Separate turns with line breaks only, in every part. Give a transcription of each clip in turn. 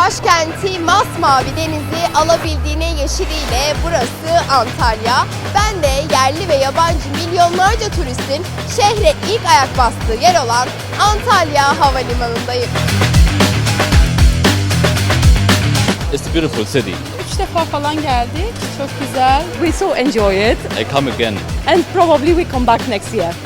başkenti masmavi denizi alabildiğine yeşiliyle burası Antalya. Ben de yerli ve yabancı milyonlarca turistin şehre ilk ayak bastığı yer olan Antalya Havalimanı'ndayım.
It's a beautiful city.
3 defa falan geldik. Çok güzel.
We so enjoy it
I come again.
and probably we come back next year.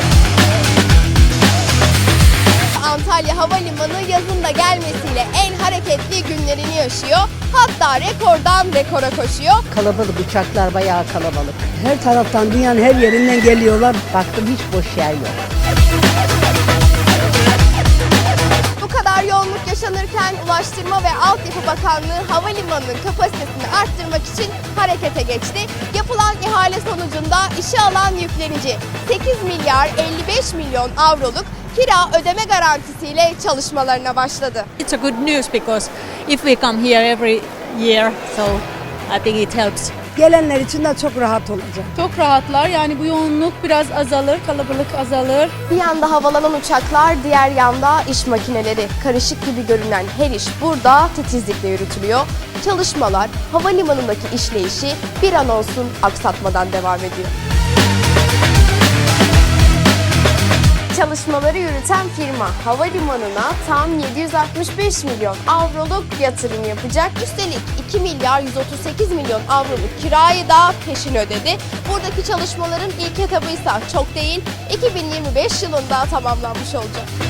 Antalya Havalimanı yazın da gelmesiyle en hareketli günlerini yaşıyor. Hatta rekordan rekora koşuyor.
Kalabalık, uçaklar bayağı kalabalık. Her taraftan, dünyanın her yerinden geliyorlar. Baktım hiç boş yer yok.
Bu kadar yoğunluk yaşanırken Ulaştırma ve Altyapı Bakanlığı havalimanının kapasitesini arttırmak için harekete geçti. Yapılan ihale sonucunda işe alan yüklenici 8 milyar 55 milyon avroluk kira ödeme garantisiyle çalışmalarına başladı.
It's a good news because if we come here every year, so I think it helps.
Gelenler için de çok rahat olacak.
Çok rahatlar. Yani bu yoğunluk biraz azalır, kalabalık azalır.
Bir yanda havalanan uçaklar, diğer yanda iş makineleri. Karışık gibi görünen her iş burada titizlikle yürütülüyor. Çalışmalar, havalimanındaki işleyişi bir an olsun aksatmadan devam ediyor. Çalışmaları yürüten firma havalimanına tam 765 milyon avroluk yatırım yapacak. Üstelik 2 milyar 138 milyon avroluk kirayı da peşin ödedi. Buradaki çalışmaların ilk etabı ise çok değil, 2025 yılında tamamlanmış olacak.